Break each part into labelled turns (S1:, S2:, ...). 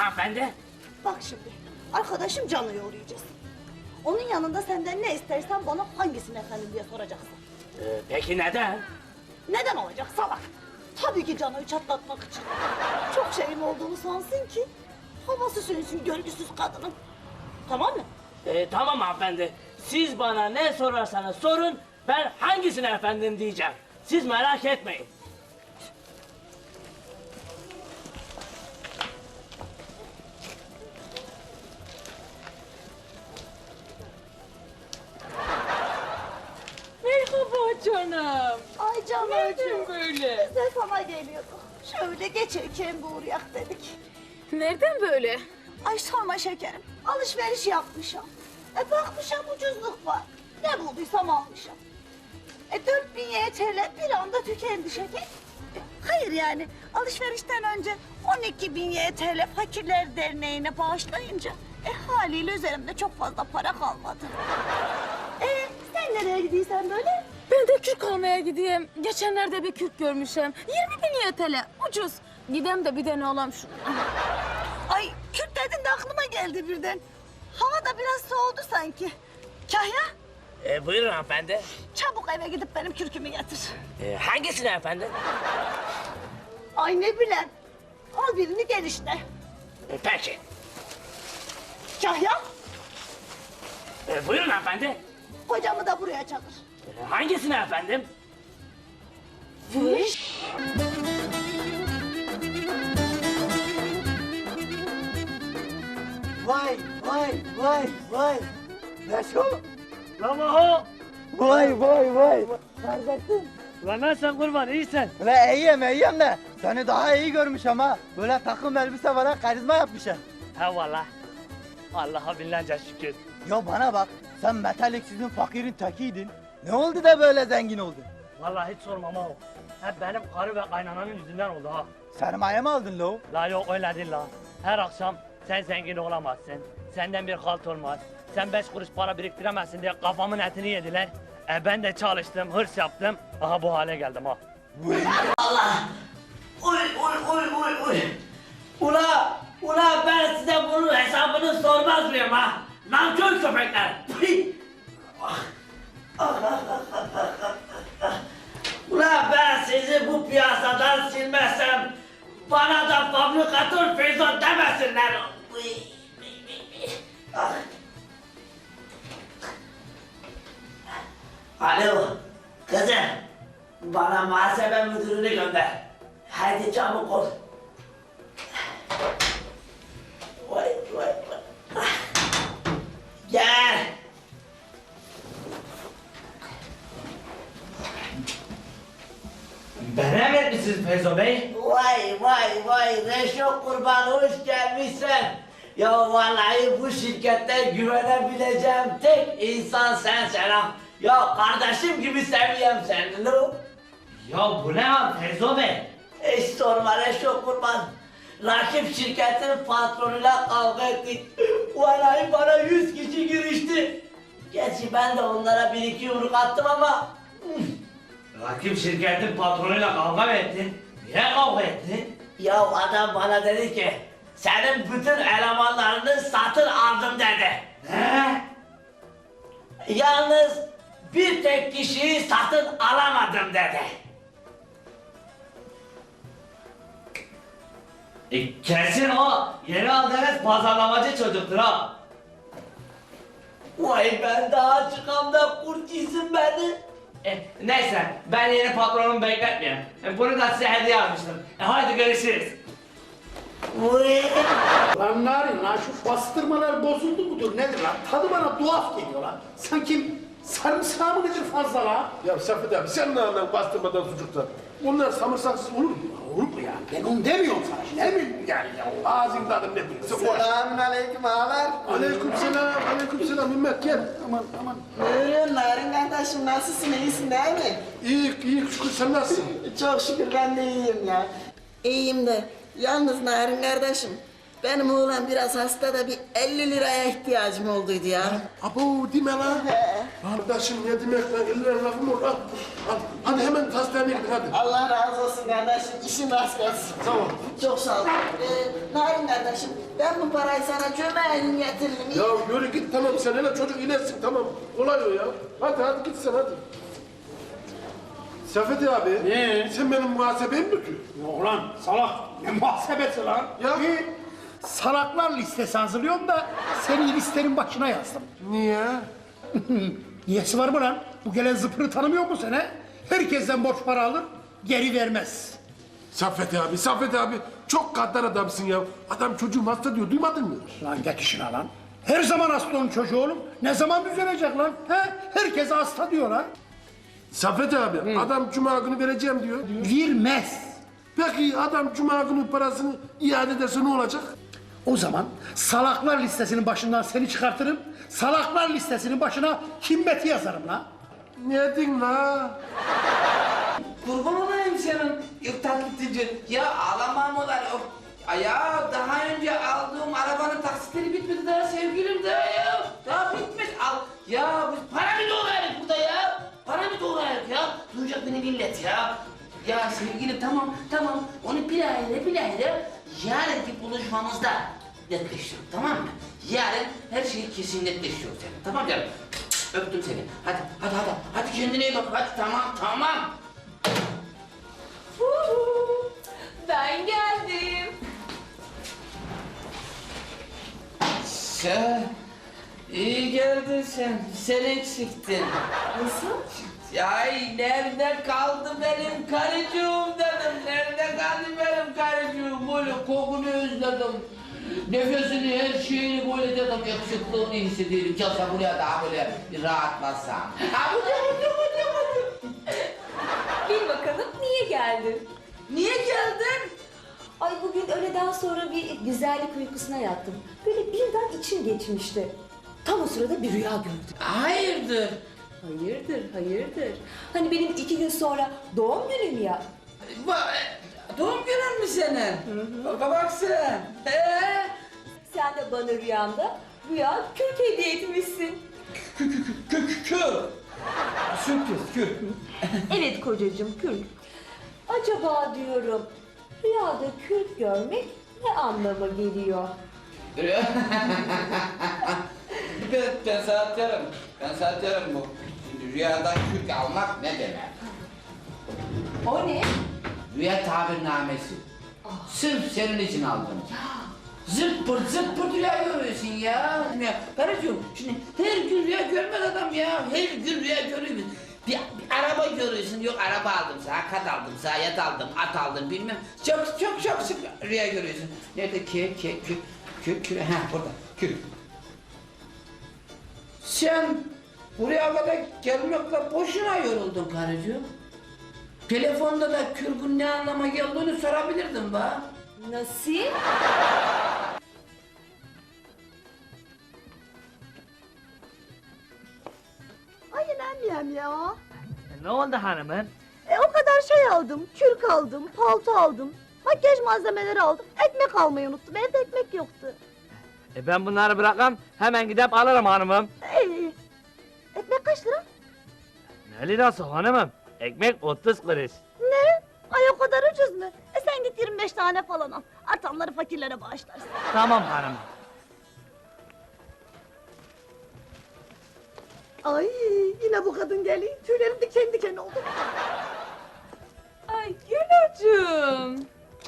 S1: hanımefendi.
S2: Bak şimdi, arkadaşım Cano'yu uğrayacağız. Onun yanında senden ne istersen bana hangisini efendim diye soracaksın.
S1: Peki neden?
S2: Neden olacak salak? Tabii ki Cano'yu çatlatmak için. Çok şeyim olduğunu sansın ki havası sönsün görgüsüz kadının. Tamam mı?
S1: Tamam hanımefendi. Siz bana ne sorarsanız sorun, ben hangisine efendim diyeceğim. Siz merak etmeyin.
S3: Merhaba canım.
S2: Ay Cano'cuğum.
S3: Nereden böyle?
S2: Biz de sana geliyorduk. Şöyle geçerken bir uğrayak dedik.
S3: Nereden böyle?
S2: Ay sorma şekerim. Alışveriş yapmışım. Bakmışım ucuzluk var. Ne bulduysam almışım. 4000 YTL bir anda tükendi şeker. Hayır yani alışverişten önce 12.000 YTL Fakirler Derneği'ne bağışlayınca haliyle üzerimde çok fazla para kalmadı. Sen nereye gidiyorsun böyle?
S3: Ben de kürk almaya gideyim. Geçenlerde bir kürk görmüşüm. 20.000 YTL. Ucuz. Gidem de bir de ne olam şu.
S2: Ay Kürt dedin de aklıma geldi birden. Hava da biraz soğudu sanki. Kahya
S1: Buyurun hanımefendi.
S2: çabuk eve gidip benim kürkümü getir.
S1: Hangisine efendim?
S2: Ay ne bileyim. Al birini gel işte.
S1: Peki.
S2: Kahya
S1: Buyurun hanımefendi.
S2: kocamı da buraya çağır.
S1: Hangisine efendim?
S2: Fış.
S4: Vay vay vay vay. Neşo.
S1: Lan Maho.
S4: Vay vay vay. Neredesin?
S1: Lan nasılsın kurban, iyisin?
S4: Ve iyiyim de seni daha iyi görmüş ama böyle takım elbise var ha, karizma yapmışsın.
S1: He valla. Allah'a binlerce şükür.
S4: Ya bana bak, sen metaliksizin fakirin tekiydin. Ne oldu da böyle zengin oldun?
S1: Vallahi hiç sorma Maho. Hep benim karı ve kaynananın yüzünden oldu ha.
S4: Sermaye mi aldın lo?
S1: La yok öyle değil la. Her akşam sen zengin olamazsın. Senden bir halt olmaz. Sen 5 kuruş para biriktiremezsin diye kafamın etini yediler. Ben de çalıştım, hırs yaptım. Aha bu hale geldim ha. Uy uy. Ula ben size bunun hesabını sormaz mıyım ha? Nankör köpekler. Ula ben sizi bu piyasadan silmezsem bana da fabrikatör Feyzo demesinler. Alo, kızım. Bana muhasebe müdürünü gönder. Hadi çabuk ol. Vay. Gel. Bana emretmişsiniz Feyzo Bey. Vay, Reşo kurban hoş gelmişsin. Ya vallahi bu şirkette güvenebileceğim tek insan sensin ha. Ya kardeşim gibi seviyorum seni lo. Ya bu ne ya Feyzo Bey? Hiç sorma Reşo kurban. Rakip şirketin patronuyla kavga ettik. Vallahi bana 100 kişi girişti. Gerçi ben de onlara bir iki yumruk attım ama... Rakip şirketin patronuyla kavga mı ettin? Niye kavga ettin? Ya adam bana dedi ki, senin bütün elemanlarını satın aldım dedi. Ne? Yalnız bir tek kişiyi satın alamadım dedi. Kesin o yeni aldığınız pazarlamacı çocuktur ha. Vay ben daha çıkamda kurt yesin beni. Neyse ben yeni patronumu bekletmeyeyim. Bunu da size hediye almıştım. Hadi görüşürüz.
S5: Lan Narin lan şu bastırmalar bozuldu mudur nedir lan? Tadı bana tuhaf geliyor lan. Sanki sarımsağı mı nedir fazla lan?
S6: Ya Safet abi sen ne anladın bastırmadan sucuktan? Onlar samırsaksız olur mu?
S5: Olur mu ya? Ben onu demiyorum sana şimdi. Emin yani ya.
S6: Ağzın tadı ne bilirse boş.
S4: Selamünaleyküm ağalar.
S6: Aleykümselam Ümmet gel. Aman.
S7: Buyurun Narin kardeşim nasılsın iyisin değil mi?
S6: İyi şükür sen nasılsın?
S7: Çok şükür ben de iyiyim ya. İyiyim de yalnız Narin kardeşim benim oğlan biraz hasta da bir 50 liraya ihtiyacım olduydu ya.
S6: Abo deme lan. Kardeşim ne demek lan 50 lira lafım olur al. Hadi hemen hastaneye gidin hadi.
S7: Allah razı olsun kardeşim işin rast gelsin.
S6: Tamam.
S7: Çok sağ ol. Narin kardeşim Ben bu parayı sana cömertim getiririm.
S6: Ya yürü git tamam sen hele çocuk iyileşsin tamam. Kolay o ya. Hadi git sen hadi. Safet abi.
S5: Ne?
S6: Sen benim muhasebemi mi tutuyorsun?
S5: Yok lan salak. Ne muhasebesi lan?
S6: Ya.
S5: Salaklar listesi hazırlıyorum da seni listenin başına yazdım.
S6: Niye?
S5: Niyesi var mı lan? Bu gelen zıpırı tanımıyor musun sen he? Herkesten borç para alır, geri vermez.
S6: Saffet abi çok gaddar adamsın ya. Adam çocuğum hasta diyor duymadın mı?
S5: Lan git işine lan. Her zaman hasta onun çocuğu oğlum. Ne zaman düzelecek lan? He? Herkese hasta diyor lan.
S6: Saffet abi adam cuma günü vereceğim diyor.
S5: Vermez.
S6: Peki adam cuma günü parasını iade ederse ne olacak?
S5: O zaman salaklar listesinin başından seni çıkartırım. Salaklar listesinin başına Himmet'i yazarım lan.
S6: Ne din la?
S1: Kurban olayım senin yok taklitçi. Ya ağlamam olar. Ya daha önce aldığım arabanın taksitleri bitmedi daha sevgilim daha ya. Daha bitmez. Al. Ya biz para mı doğrayalım burada ya? Para mı doğrayalım ya? Duyacak beni millet ya. Ya sevgilim tamam. Onu bilahare yarınki buluşmamızda netleştirelim tamam mı? Yarın her şey kesin netleşiyor senin. Tamam canım? Öptüm seni. Hadi kendine iyi bak. Hadi tamam.
S3: Ben geldim.
S1: Sen iyi geldin sen. Sen eksiktin.
S3: Nasıl?
S1: Ay nerede kaldı benim karıcığım dedim. Nerede kaldı benim karıcığım? Böyle kokunu özledim. Nefesini, her şeyini böyle dedim. Yakışıklığını hissediyorum. Çalsa buraya daha böyle bir rahatlasam. Ha bu.
S8: Bil bakalım niye geldin?
S1: Niye geldin?
S8: Ay bugün öğleden sonra bir güzellik uykusuna yattım. Böyle birden içim geçmişti. Tam o sırada bir rüya gördüm.
S1: Hayırdır?
S8: Hayırdır. Hani benim 2 gün sonra doğum günüm ya.
S1: Doğum günün mü senin? Bak sen.
S8: Sen de bana rüyamda rüya kürk hediye etmişsin.
S1: Kür.
S8: Evet kocacığım kürk. Acaba diyorum rüyada kürk görmek ne anlama geliyor?
S1: Ben sana derim bu. Şimdi rüyadan kürk almak ne demek?
S8: O ne?
S1: Rüya tabirnamesi. Sırf senin için aldım. Zırt pırt rüya görüyorsun ya. Karıcığım şimdi her gün rüya görmez adam ya. Her gün rüya görüyoruz. Bir araba görüyorsun. Yok araba aldım sana, kat aldım sana, yat aldım, at aldım bilmem. Çok sık rüya görüyorsun. Nerede kür. Ha burada kür. Sen buraya kadar gelmekle boşuna yoruldun karıcığım. Telefonda da kürkün ne anlama geldiğini sorabilirdim bana.
S8: Nasıl?
S2: Ay inanmıyorum ya.
S4: Ne oldu hanımım?
S2: O kadar şey aldım. Kürk aldım, palto aldım. Makyaj malzemeleri aldım. Ekmek almayı unuttum. Evde ekmek yoktu.
S4: Ben bunları bırakam hemen gidip alırım hanımım.
S2: İyi. Ekmek kaç lira?
S4: Ne lirası hanımım? Ekmek 30 kuruş.
S2: Ne? Ay o kadar ucuz mu? Sen git 25 tane falan al. Artanları fakirlere bağışlarsın.
S4: Tamam hanımım.
S2: Ay yine bu kadın geliyor. Tüylerim diken diken oldu.
S3: Ay Gülacığım.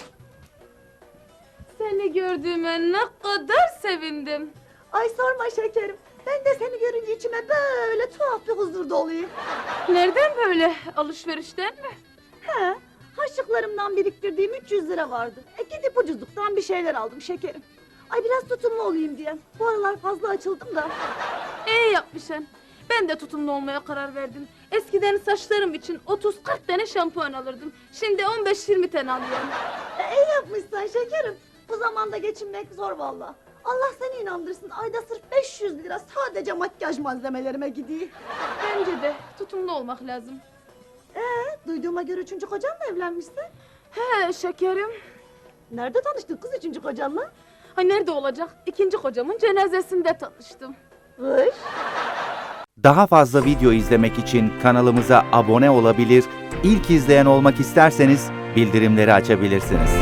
S3: Seni gördüğüme ne kadar sevindim.
S2: Ay sorma şekerim. Ben de seni görünce içime böyle tuhaf bir huzur doluyor.
S3: Nereden böyle? Alışverişten mi?
S2: He, harçlıklarımdan biriktirdiğim 300 lira vardı. Gidip ucuzluktan bir şeyler aldım şekerim. Ay biraz tutumlu olayım diye. Bu aralar fazla açıldım da.
S3: İyi yapmışsın. Ben de tutumlu olmaya karar verdim. Eskiden saçlarım için 30-40 tane şampuan alırdım. Şimdi 15-20 tane alıyorum.
S2: İyi yapmışsın şekerim. Bu zamanda geçinmek zor vallahi. Allah seni inandırsın. Ayda sırf 500 lira sadece makyaj malzemelerime gidiyor.
S3: Bence de tutumlu olmak lazım.
S2: Duyduğuma göre 3. kocanla evlenmişsin.
S3: He şekerim.
S2: Nerede tanıştın kız 3. kocanla?
S3: Ha nerede olacak? 2. kocamın cenazesinde tanıştım.
S2: Kış.
S9: Daha fazla video izlemek için kanalımıza abone olabilir, ilk izleyen olmak isterseniz bildirimleri açabilirsiniz.